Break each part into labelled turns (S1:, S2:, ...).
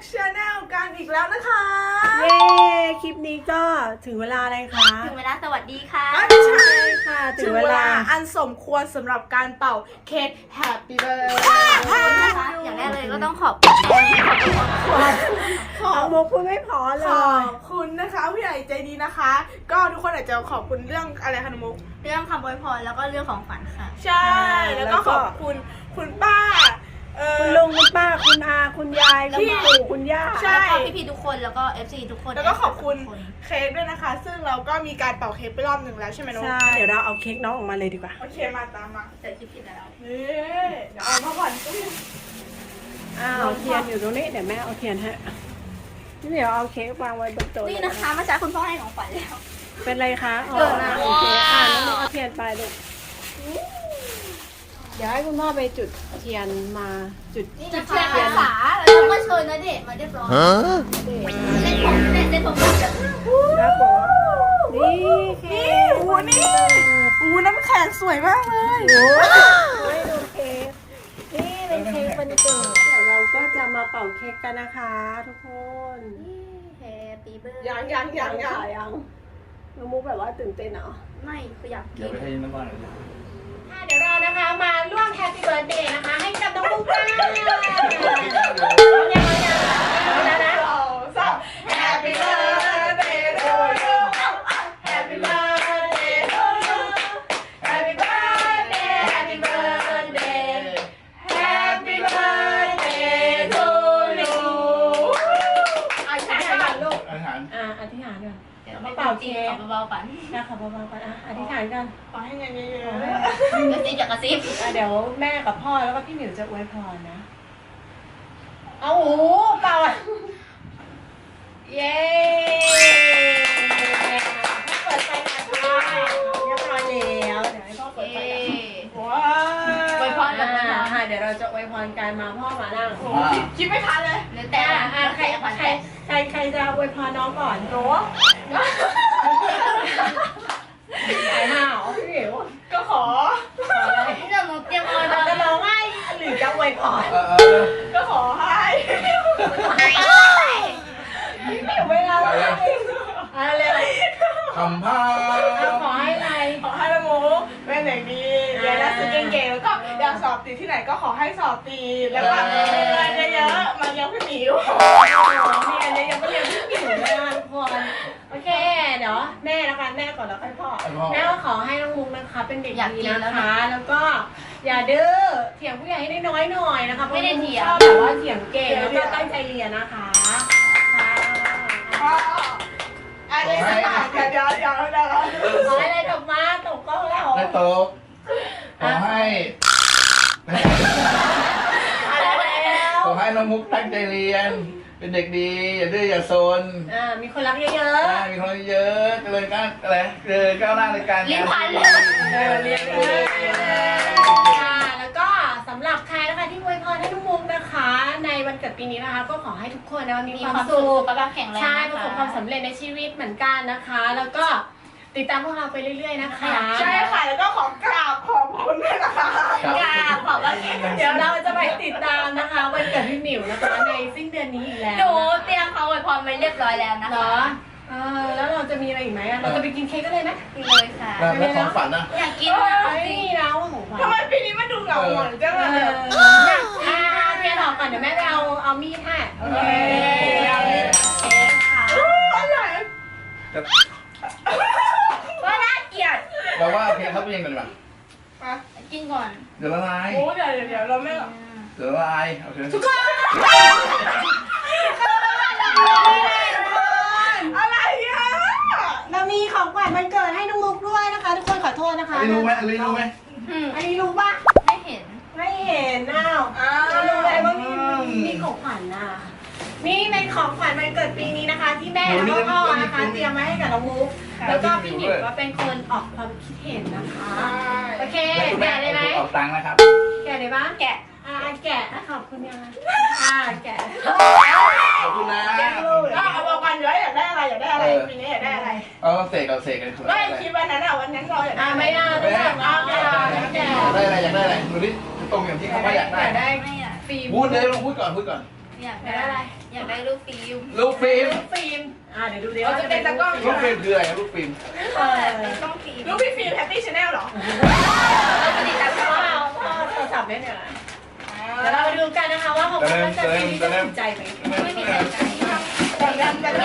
S1: Channel กันอีกแล้วนะคะ
S2: เย้คลิปนี้ก็ถึงเวลาอะไรคะ
S3: ถึงเวลาสวัสดีค่ะ
S1: ไม่ใช่
S2: ค่ะถึ
S1: ถึ
S2: ง
S1: ง
S2: เว
S1: เว
S2: ลา
S1: ลาอันสมควรสำหรับการเป่าเค้ก Happy Birthday
S3: นะคะอย่างแรกเลยก็ต้องขอบคุณแทนขอบคุณ
S1: ขอ
S2: น้องมุกพูดไม่พอเล
S1: ขอย บคุณนะคะผู้ใหญ่ใจดีนะคะ ก็ทุกคนอาจจะขอบคุณเรื่องอะไรคะน้องมุก
S3: เรื่องคำอวยพรแล้วก็เรื่องของฝันค่ะ
S1: ใช่ แล้วก็ขอบคุณคุณป้า
S2: คุณลุงคุณป้าคุณอาคุณยายคุณปู่คุณย่า
S1: ใช่
S3: แล้วก็พี่ๆทุกคนแล้วก็ FC ทุกคน
S1: แล้วก็ขอบคุณเค้กด้วยนะคะ ซึ่งเราก็มีการเป่าเค้กไปรอบหนึ่งแล้วใช่ไหมน้อง
S2: ใช่เดี๋ยวเราเอาเค้กน้องออกมาเลยดีกว่า
S1: โอเคมาตามมา
S3: แต่คิดผิดแล้ว
S1: นี่เดี๋ยวเอามาก่อนก็มี
S2: อ้าวเทียนอยู่ตรงนี้เดี๋ยวแม่เอาเทียนให้นี่เดี๋ยวเอาเค้กวางไว้บนโต๊ะ
S3: นี่นะคะเมื่อเช้าคุณพ่อให้ของขวัญแล้ว
S2: เป็นไรคะอ๋อ
S3: เกิดนะ
S2: โอเคน้องมุกเอาเทียนไปลูกเดี๋ยวให้คุณพ่อไปจุดเทียนมาจุด
S3: นี่นะคะภาษาแล้วก็เชิญณเดชน์มาเรียบร้อยเส้นผมเนี่ยเส้นผม
S2: ครับผมนี่เค้
S1: นี่
S2: ก
S1: โอ้นี่น้ำแข็งสวยมากเลย
S2: โอ้ยดูเค้กนี่เป็นเค้กวันเกิดเดี๋ยวเราก็จะมาเป่าเค้กกันนะคะทุกคน
S3: แฮปปี้เบิร์ด
S1: ยัง
S2: ยังน้องมุกแบบว่าตื่นเต้นเหรอ
S3: ไม่คืออยากกิ
S4: เดี๋ยวน ไปให้น้ำบ้านหน่อยดิ
S2: เดี๋ยวเรานะคะมาร่วมแฮปปี้เบิร์ดเดย์นะคะให้กับน้องมุกกันยังนะ
S1: Happy birthday to you Happy birthday to you Happy birthday Happy birthday Happy birthday to you
S2: อธิษฐานลูก
S4: อาหาร
S2: อธิษฐานก่อน
S3: เดี๋ยวเป่าเค้กขอเบาๆก่อน
S2: นะคะเบาๆก่อนอธิษฐานกัน
S1: ขอให้เงินเยอะ
S3: กระซิบจากกระซิบ
S2: เดี๋ยวแม่กับพ่อแล้วก็พี่หมิวจะอวยพรนะเอาโอ้เป่าเย้เปิดไฟนะคะเรียบร้อยแล้วเดี๋ยวให้พ่อเปิดไฟกัน
S1: ๆว้า
S3: อวยพรกับอวยพร
S2: ค่ะเดี๋ยวเราจะอวยพรกันมาพ่อมานั่ง
S1: โอ้คิดไม่ทันเลย
S3: แล้วแต่ใครขวัญแต่
S2: ใครจะอวยพรน้องก่อนโน้ไอ้ห่าวพี่หมิว
S1: ก็ขอ
S3: ที่เราเตรียมอวยพร
S2: จะร้องไห้หรือจะอวยพร
S1: ก็ขอให้
S2: พี่หมิวเวลาอะไร
S4: คำพา
S2: ขอให้อะไร
S1: ขอให้ละโมเป็นเด็กดีเรียนหนังสือเก่งๆแล้วก็อยากสอบติดที่ไหนก็ขอให้สอบติดแล้วก็เรียนเยอะๆมาเลี้ยงพี่หมิว
S2: เรียนเลยยังไม่เรียนพี่หมิวเลยทุกคนโอเคเดี๋ยวแม่แล้วกันแม่ก่อนแล้วค่อยพ่อแม่ก็ขอให้น้องมุกนะคะเป็นเด็กดีนะคะ แล้วก็อย่าดื้อเถียงผู้ใหญ่ให้ได้น้อยหน่อยนะคะไม่ได้เถียงแต่ว่าเถียงเก่งแล้วก็ตั้งใจเรียนนะคะค่ะ
S1: อันนี้สักหน่อยเดี๋ยว
S2: ขอให้อะไรตกมาตกก็แล้ว
S4: ได้โต๊ะขอให้ ขอให้น้องมุกตั้งใจเรียน เป็นเด็กดี อย่าดื้ออย่าซน
S2: มีคนรักเยอะ
S4: มีคนเยอะเจริญก้าวอะไรเจริญก้าวหน้าในการ
S3: ลิ้นพันเลย
S2: เรียนค่ะแล้วก็สำหรับใครนะคะที่อวยพรให้น้องมุกนะคะ ในวันเกิดปีนี้นะคะ ก็ขอให้ทุกคนนะมีความสุข
S3: สุขภาพแข็งแรง
S2: ใช่ประสบความสำเร็จในชีวิตเหมือนกันนะคะ แล้วก็ติดตามพวกเราไปเรื่อยๆนะคะ
S1: ใช่ค่ะแล้วก็ขอกราบขอบคุณด้วยนะคะ
S3: กราบขอบพระคุณ
S2: เดี๋ยวเราจะไปติดตามนะคะวันเกิดพี่หมิวนะคะในสิ้นเดือนนี้อีกแล้ว
S3: หนูเตรียมเขาอวยพรไว้เรียบร้อยแล้วนะ
S2: เหร
S3: คะ
S2: อแล้วเราจะมีอะไรอีกไหมเราจะไปกินเค้กกันเลยไหม
S3: เลยค่ะ
S4: แล้วของฝันนะ
S3: อยากกินอะ
S2: ไม่มีแล้วของขวัญ
S1: ทำไมปีนี้มันดูเหงาหงอยจังเลย
S2: อยากเทียนออกก่อนเดี๋ยวแม่ไปเอามีดให้โอเค
S3: เอาเลยเค้กค่ะ
S1: อะไร
S3: ว่าน่าเกลียด
S4: เราว่าโอเคครับเย็นก่อนดีกว่า
S3: กินก่อน
S4: เดี๋ยวละลาย
S1: โอ้เดี๋ยวเราไม่
S4: เดี๋ยวละลายโอเค
S1: อะไรอ่ะ
S2: เรามีของขวัญวันเกิดให้น้องมุกด้วยนะคะ ทุกคนขอโทษนะคะ
S4: อันนี้รู้ไหมอันนี้รู้ไหม
S2: อันนี้รู้ป่ะ
S3: ไม่เห็น
S2: ไม่เห็นอ้าวรู้ไหมว่ามีของขวัญน่ะนี่เป็นของขวัญวันเกิดปีนี้นะคะ ที่แม่แล้วก็พ่อนะคะเตรียมมาให้กับน้องมุกแล้วก็พี่หมิวก็เป็นคนออกความคิดเห็นนะคะโอเคแกะเลยไหม
S4: ออกตังค์นะครับ
S2: แกะเลยปะ
S3: แกะ
S2: แกะขอบคุณยังแกะ
S4: ขอบคุณนะ
S1: เอาบอกกันอยากได้อะไรปีนี้อยากได้อะไร
S4: เอาเสกกัน
S1: ก็คิดวันนั้นวันนั้นเราอยากได้
S2: ไม่ได้ไม่ได้แกะ
S4: อยากได้อะไรดูดิตรงอย่างที่เขาว่าอยากได้
S2: ได้
S3: ไม่อ่ะ
S2: ฟิล์ม
S4: พูดเลยลองพูดก่อน
S3: ฟอยาก
S2: ได้
S3: ได้
S2: อะไร
S3: อยากได้รูปฟิล์ม
S4: ลูกฟิล์ม
S2: ฟิล์มเดี๋ยวดูดิ
S1: เราจะเป็นตะกล้อง
S4: ลูกฟิล์มคืออะไรลูกฟิล์ม
S3: เป็นกล้องฟิล์ม
S1: ลูกพี่ฟิล์มแฮปปี้ชาแนลเหรอ
S3: ปกติตาม
S2: พ่อโทรศัพท์เนี่ยเดี๋ยวเราไปดูกันนะคะว่าของพ่อจะปีนี้จะถูกใจไหม
S3: ไม่มีใครใจ
S1: จำจำ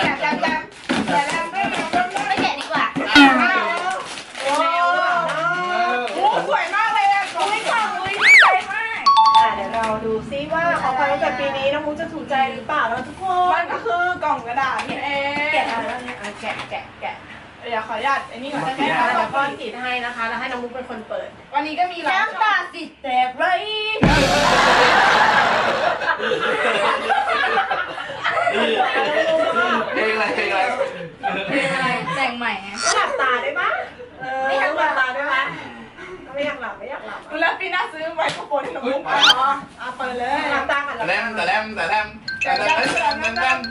S3: ไม่แกะดีกว่า
S2: โอ้
S1: โอ้สวยมากเลยอ่ะ
S3: อุ้ยของอุ้ยดีใจมาก
S2: เดี๋ยวเราดูซิว่าของขวัญวันเกิดปีนี้น้องมุกจะถูกใจหรือเปล่าแล้วทุกค
S1: มัน นก็คือกล่องกระดาษนี่เอง
S2: แกะแล้วเนี่ยแกะ
S1: เดี๋ยวขออนุญาตอันนี้ก่อน
S2: แกะแล้วก็ติดให้นะคะแล้วให้น้องมุกเป็นคนเปิด
S1: วันนี้ก็มีหลาย
S3: น้ำตาสิแตกไร
S4: เพลงอะไรเพลงอะไร
S3: แต่งใหม่
S2: ไม่หลับตาได้ปะไม่อยากหลับตาได้ปะไม่อยากหลับ
S1: แล้วปีหน้าซื้อไมโครโฟนให้หนูมุกอ๋อเปิดเลย
S2: หลับตาก่อนหลับ
S4: แต่
S2: ตา
S4: แต่แลมแต่แลมแต่แลมแต่แลม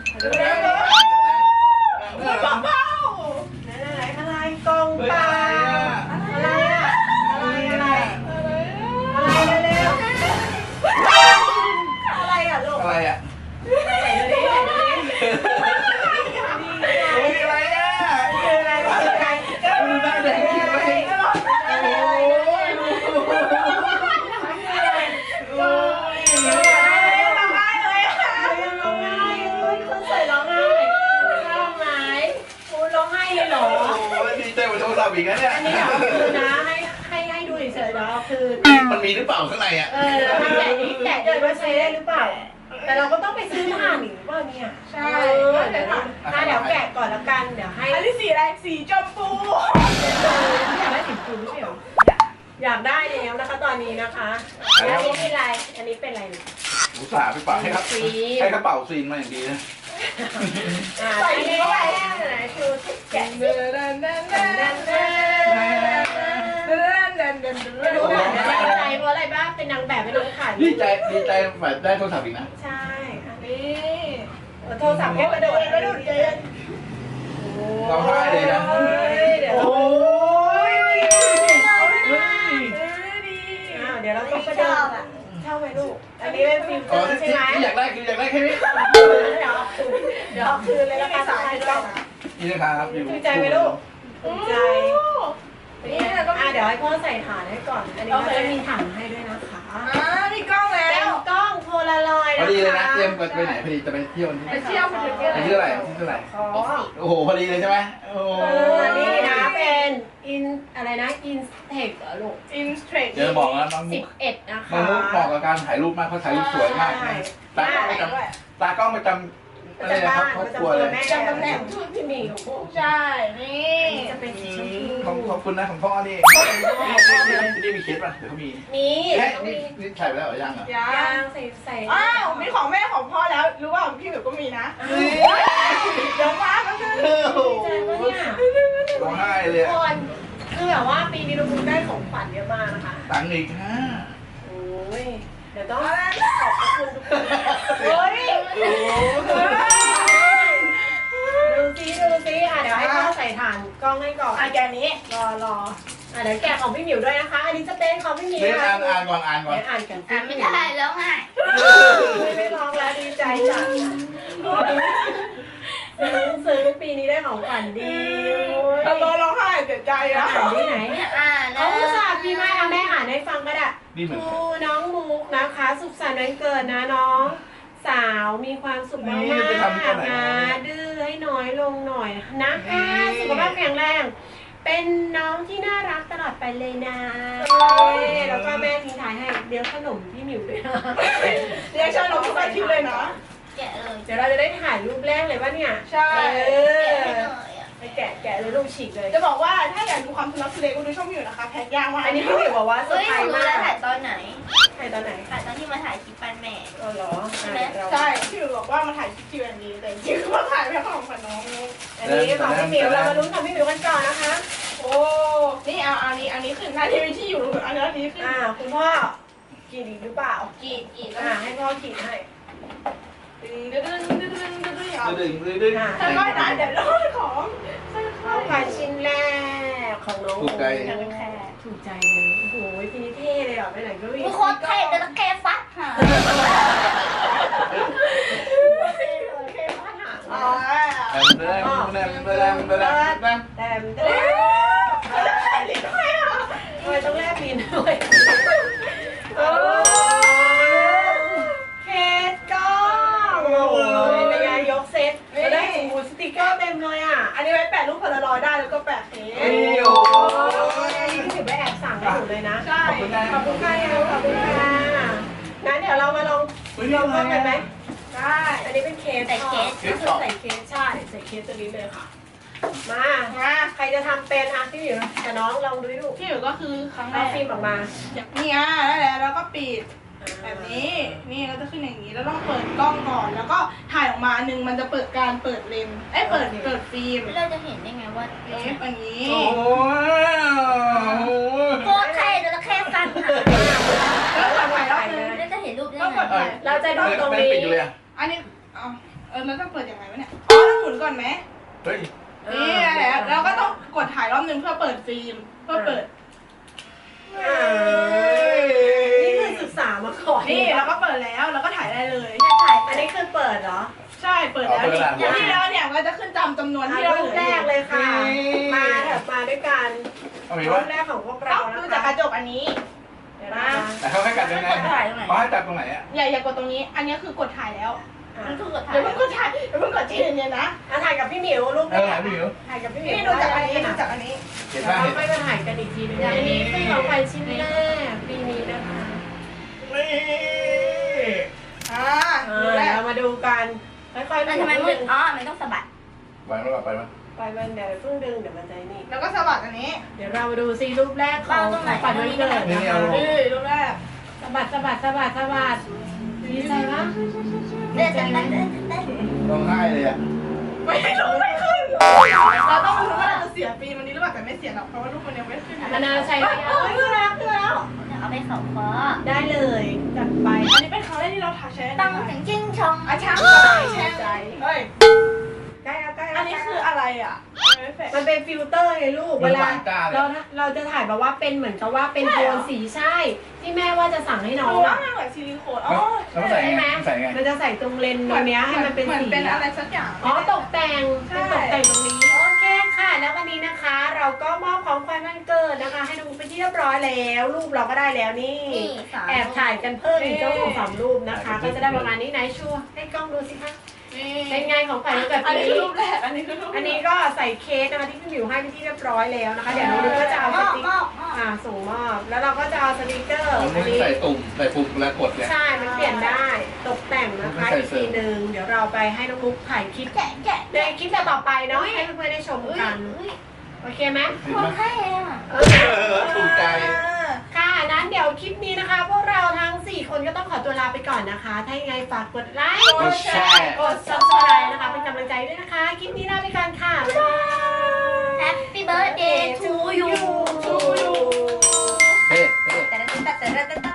S1: เบา
S2: อะไรกองปลาอะไรอะอะไรเร็วอะไรอะลูก
S4: อะไรอ่ะ
S2: ไหนดูดิ
S4: อะไรอ่ะ
S2: คืออะไรคืออะไร
S4: ดูหน้าแดงคิดไป
S2: คนสวยร้องไห้ร้องไหมคุณร้องไห้เลยเหรอ
S4: โอ้ดีใจกว่าโทรศัพท์อีกนะเนี่ย
S2: อันนี้เดี๋ยวคือนะให้ดูเฉยๆแล้วคือ
S4: มันมีหรือเปล่าข้างในอ่ะ
S2: ถ้าแกะนี้แกะเดินว่าใช้ได้หรือเปล่า แต่เราก็ต้องไปซื้อถ่านหรือเปล่าเนี่ย
S1: ใช่
S2: เดี๋ยวแกะก่อนแล้วกันเดี๋ยวให้
S1: อันนี้สีอะไรสีชมพู
S2: อยากได้สีฟูไม่ใช่หรออยากได้แล้วนะคะตอนนี้นะคะอันนี้เป็นอะไรอันนี้เป็นอะไร
S4: อุตส่าห์ไปเป่าให้ครับให้กระเป๋าซีนมาอย่างดีนะ
S2: ใส่นี้อะไรไหนคือแกะดูหน่อยดีใจเพราะอะไรบ้างเป็นนางแบบไม่รู้ค่ะ
S4: ดีใจแบบได้โทรศัพท์อีกนะ
S2: ใช่อันนี้
S1: นี่
S2: โทรศัพท์แค่กระโดด
S4: เราให้เลยนะ
S2: เดี๋ยว
S4: โอ้ย
S2: เดี๋ยวเราต้องไปเดินเช่าไหมลูกอันนี้เป็นฟิล์มเต
S4: อ๋
S2: อ
S4: อ
S2: ร์ใช่
S4: ที่
S2: ไหม
S4: อยากได้คืออยากได้แค่นี้
S2: เดี๋ยวคืนเลยแล้วกันสายกล้อง
S4: นี่นะครับอยู่
S2: ถูกใจไหมลูกถูกใจเดี๋ยวให้พ่อใส่ฐานให้ก่อน อันนี้ก็จะมีถังให้ด้วยนะคะ
S1: มีกล้องแล้
S2: เป็น
S1: ว
S2: กล้องโพลารอยด์
S4: พอ
S2: นะคะ
S4: ดีเลยนะเตรียมไปไหนพอดีจะไปเที่ยวนี่
S1: ไปเที่ยวไปเที่ยว
S4: ไปเที่ยวอะไรที่เท่าไหร่
S2: อ๋อ
S4: โอ้โหพอดีเลยใช่ไหมโอ้
S2: นี่นะเป็นอะไรนะอินเทคเหรอลูก
S1: อินสเตรท
S4: เดี๋ยวบอกนะน้องมุก
S2: 11นะคะ
S4: น้องมุกเหมาะกับการถ่ายรูปมากเขาถ่ายรูปสวยมากนะตากล้องประจำตากล้องประจำอะไรนะครับครอบครัวเลย
S2: แม่จำตำแหน่งชุดพี่หมีของพวก
S1: ใช่นี่
S2: จะเป็นสีชม
S4: ข
S2: พู
S4: อบคุณนะของพ่อนี่นี่มีเคสป่ะเดี๋ยวเขามี
S2: นี่
S4: นี่ถ่ายไปแล้วหรือยังอ่ะ
S1: ยั
S2: ย่าง งใส่
S1: อ้าวมีของแม่ของพ่อแล้วรู้ว่าพี่หมิวก็มีนะเดี๋ยวมาก็คือ
S2: ดีใจปะเนี่ย
S4: ร้องไห้เลย
S2: ทุกคนคือแบบว่าปีนี้เราได้ของขวัญเยอะมากนะคะ
S4: ตังค์อีกฮะ
S2: โอ้ยเดี๋ยวต้องขอบคุณทุกคนเฮ้ยดูซิเดี๋ยวให้พ่อใส่ถ่านกล้องให้ก่อน
S1: แกนี้
S2: รอเดี๋ยวแกะของพี่หมิวด้วยนะคะ อันนี้จะเป็นของพี่หมิว
S4: เดี๋ยว
S2: นะคะ
S4: อ่านก่อน
S2: เดี๋ยวอ่านกัน
S3: ไม่ได้แล้วไง
S2: ไม่ร้องแล้วดีใจจังซื้อปีนี้ได้ของขวัญดี
S1: ตะโกนร้องไห้เสียใจ
S2: อ่า
S1: อ่ะ
S2: นที่ไหน
S3: อ่านนะ
S2: เขาอุตส่าห์พี่แม่แม่อ่านให้ฟังก็ได้
S4: นี่เหมือน
S2: ครูน้องมุกนะคะ สุขสันต์วันเกิดนะน้อง สาวมีความสุขมากๆนะดื้อให้น้อยลงหน่อยนะคะสุขภาพแข็งแรง เป็นน้องที่น่ารักตลอดไปเลยนะแล้วก็แม่ทิ้งท้ายให้เดี๋ยวขนมพี่หมิวด้วยนะ
S1: เรียกชาลงทุกอาทิตย์เลยนะ
S3: แกะเลย
S2: เดี๋ยวเราจะได้ถ่ายรูปแรกเลยว่าเนี่ย
S1: ใช่
S2: ไปแกะเลยลูกฉีกเลย
S1: จะบอกว่าถ้าอยากดูความทุลักทุเลก็ดูช่องมิวนะคะแพ็คยากมาก
S2: อันนี้พี่หมิวบอกว่าเซอ
S3: เฮ้
S2: ร์
S3: ย
S2: ไพร
S3: หนู
S2: ส์
S3: รู้
S2: มา
S3: แล้ว
S2: ก
S3: ถ่ายตอนไหน
S2: ถ่ายตอนไหน
S3: ถ่ายตอนที่มาถ่ายคลิปปันแม่
S2: อ๋อเหรอ
S1: ใช่พี่หมิวบอกว่ามาถ่ายคลิปทีวีดีแต่จริงๆมาถ่ายแพ็คของขวัญน้อง
S2: อันนี้ของพี่หมิวเรามาลุ้นของพี่หมิวกันก่อนนะคะ
S1: โอ้นี่เอาอันนี้ขึ้นหน้าทีวีที่อยู่อันนี้ขึ้น
S2: คุณพ่อกีดอีกหรือเปล่า
S1: กีดแล้ว
S2: ให้พ่อกีดให้
S1: ดึง
S4: ดึง
S2: อ่า
S1: ถ้าไม่ได้เดี๋ยวโดนของ
S2: ของขวัญชิ้นแรกของน้อง
S4: ถูกใจ
S2: ถูกใจเลยโอ้โหปีนี้เท่เลยอ่ะไปไหนก็วิ่ง
S3: ทุกโคตรเท่แต่ตะแคฟัดค่ะ
S2: แต่
S1: ทำไมต้องแลบลิ้นด้วยอ่ะ
S2: ทำไมต้องแลบลิ้นด้วยเคสก็โอ้ยในงานยกเซตได้สติกเกอร์เต็มเลยอ่ะ
S1: อันนี้ไว้แปะรูปพลารอยด์ได้แล้วก็แปะเค้ก
S2: นี่ถือไปแอบสั่งให้หนูเลยนะ
S1: ใช่
S2: ขอบคุณค่ะขอบคุณค่ะงั้นเดี๋ยวเรามาลองกันไหม
S1: ได้
S2: อันนี้เป็นเคส
S3: ใส่เคส
S2: ก็คือใส่เคสใช่ใส่เคสตัวนี้เลยค่ะ มาใครจะทำเป็นอ่ะพี่หมิวกับน้องลองดูดู
S1: ที่อยู่ก็คือครั้งแร
S2: เอา
S1: ก
S2: ฟิล์มออกมา
S1: เนี่ยนั่นแหละแล้วก็ปิดแบบนี้นี่ก็จะขึ้นอย่างนี้แล้วต้องเปิดกล้องก่อนแล้วก็ถ่ายออกมาหนึ่งมันจะเปิดการเปิดเลนส์เปิดฟิล์ม
S3: เราจะเห็นได้ไงว่า
S1: เอฟอันนี้
S4: โอ้โห
S3: โคตรแค่จระเข้ฟันค่ะ
S1: แล้วกดถ่ายรอบนึง
S3: เราจะเห็นรูปได้
S1: ต้องก
S3: ไง
S1: ดถ่าย
S2: เราจะดูตรง
S4: ไม่
S2: นี้
S4: ปิดอยู่เลยอ่ะ
S1: อันนี้แล้วต้องเปิดยังไงวะเนี่ยอ๋อต้องหมุนก่อนไหม
S4: เฮ้ย
S1: นี่แหละแล้วก็ต้องกดถ่ายรอบนึงเพื่อเปิดฟิล์มเพื่อเปิด
S2: นี่คือศึกษามาก่อน
S1: นี่แล้วก็เปิดแล้วแล้วก็ถ่ายได้เลย
S3: จะถ่าย
S2: อันนี้คือเปิดเหรอ
S1: ใช่เปิดแล้วนี่แล้วเนี่ยก็จะขึ้นจำนวนที่เรา
S2: รูปแรกเลยค่ะ มาเถอะมาด้วยกัน
S4: เอาไหม
S2: รู
S4: วะ
S2: ปแรกของพวก
S1: ต้
S2: เรา
S1: อง
S2: นะ
S1: ดู
S2: คะ
S1: จากกระจกอันนี้
S2: เดี๋ยวนะ
S4: แต่เขาให้กัดยังไงเขาให้จับตรงไหนอ่ะ
S1: อย่ากดตรงนี้ อันนี้คือกดถ่ายแล้ว
S3: มันคือกดถ่า
S1: เดี๋
S3: ย
S1: ยวเพิ่งกดถ่ายเดี๋ยวเพิ่งกดที่เนี่ยนะ
S2: ถ่ายกับพี่หมิวรูป
S4: เอ
S2: แร
S4: อก พี่หมิว
S2: ถ่ายกับพี่หมิว
S1: นี่ดูจากอันนี้ดูจากอันนี้
S4: เห็น
S2: แล้
S4: ป่ะ
S2: ว
S4: เห็น
S2: ค่อยมาถ่ายกันอีกทีนึงอันนี้คือของขวัญชิ้นแรกปีนี้นะคะ
S4: นี่
S1: ดูแล
S2: เรามาดูกันค่อยๆ
S3: แต่ทำไมมึงอ๋อมันต้องสะบัด
S4: ไปมั้ยไปมั้ย
S2: ไปมันเดี๋ยวเพิ่งดึงเดี๋ยวมันใจนี่
S1: แล้วก็สะบัดอันนี้
S2: เดี๋ยวเรามาดูซีรูปแรกของฝันวันเกิดนะคะ
S1: นี่รูปแรก
S2: สะบัดดีใจปะ
S3: เต้นเต้นเต้นเต้นเต้น
S4: ร้องไห้เลยอ่ะ
S1: ไม่รู้ไม่ขึ้นเราต้องรู้ว่าเราจะเสียปีมันนี้หรือเปล่าแต่ไม่เสียหรอกเพราะว่ารูปมันยังไม่ขึ้น
S2: มะนาวใช้ได้
S1: ขึ้นแล้ว
S3: เอาไปสองคอ
S2: ได้เลยจัดไป
S1: อันนี้เป็นครั้งแรกที่เราถ่ายใช้
S3: ตั้งถึงจิ้งชอง
S1: อาช่างแช่ใจเฮ้ย
S2: ใกล้แล้ว
S1: อันนี้คืออะไรอ่ะไม่แฝง
S2: มันเป็นฟิลเตอร์ไงลูกเวลาเราจะถ่ายแบบว่าเป็นเหมือนกับว่าเป็นโทนสีใช่ ที่แม่ว่าจะสั่งให้น้อง
S1: ว่า
S2: อ่ะ
S1: เหมือนซิลิโคนอ๋อ
S4: แล้วใส่
S2: ใช่
S4: ไง
S2: ไหม
S4: ใส่ไง
S2: มันจะใส่ตรงเลนส์ตรงเนี้ยให้มันเป็น
S1: เหมือน
S2: สี
S1: เป็นอะไรสักอย่าง
S2: อ๋อตกแต่งเป็นตกแต่งตรงนี้โอเคค่ะ แล้ววันนี้นะคะ เราก็มอบของขวัญวันเกิดนะคะ ให้น้องเป็นที่เรียบร้อยแล้วรูปเราก็ได้แล้วนี่
S3: นี่สาม
S2: แอบถ่ายกันเพิ่มอีกเจ้าของสามรูปนะคะ ก็จะได้ประมาณนี้ไหนชัวร์ให้กล้องดูสิคะเป็นไงของขวัญวันเกิด
S1: อัน
S2: ปี
S1: นี้คือ
S2: นี้
S1: รูปแรกอันนี้คือรูป
S2: อันนี้ก็ใส่เค้กนะคะที่พี่หมิวให้เป็นที่เรียบร้อยแล้วนะคะ เดี๋ยวน้องดูก็จะเอา
S3: ม
S2: ส
S3: อบ
S2: ติ๊ก
S3: มอบ
S2: ส่งมอบแล้วเราก็จะเอาสติกเกอร์
S4: มัน
S2: อันนี้
S4: ใส่ตุ่มใส่ปุ่มแล้วกดเนี่ย
S2: ใช่ มันเปลี่ยนได้ตกแต่งนะคะ
S4: ไม่
S2: อีก
S4: ใส่เสริ
S2: ที
S4: ม
S2: หนึ่งเดี๋ยวเราไปให้น้องมุกถ่ายคลิป
S3: แกะแกะ
S2: ในคลิปต่อไปเนาะให้เพื่อนๆได้ชมกัน โอเคไหม
S4: เห็น
S3: คน
S4: ไหม
S3: ไข้อ่ะ
S4: ถูกใจ
S2: ค่ะนั้นเดี๋ยวคลิปนี้นะคะ พวกเราทั้ง 4 คนก็ต้องขอตัวลาไปก่อนนะคะ ถ้ายังไงฝากกดไลค์
S4: กดแชร์
S2: กด subscribe นะคะ เป็นกำลังใจด้วยนะคะ คลิปนี้ลาไปก่อนค่ะ บ๊ายบาย
S3: Happy birthday to you
S1: ชูยู
S4: เฮ้
S3: แต่ละแต่ละแต่ละ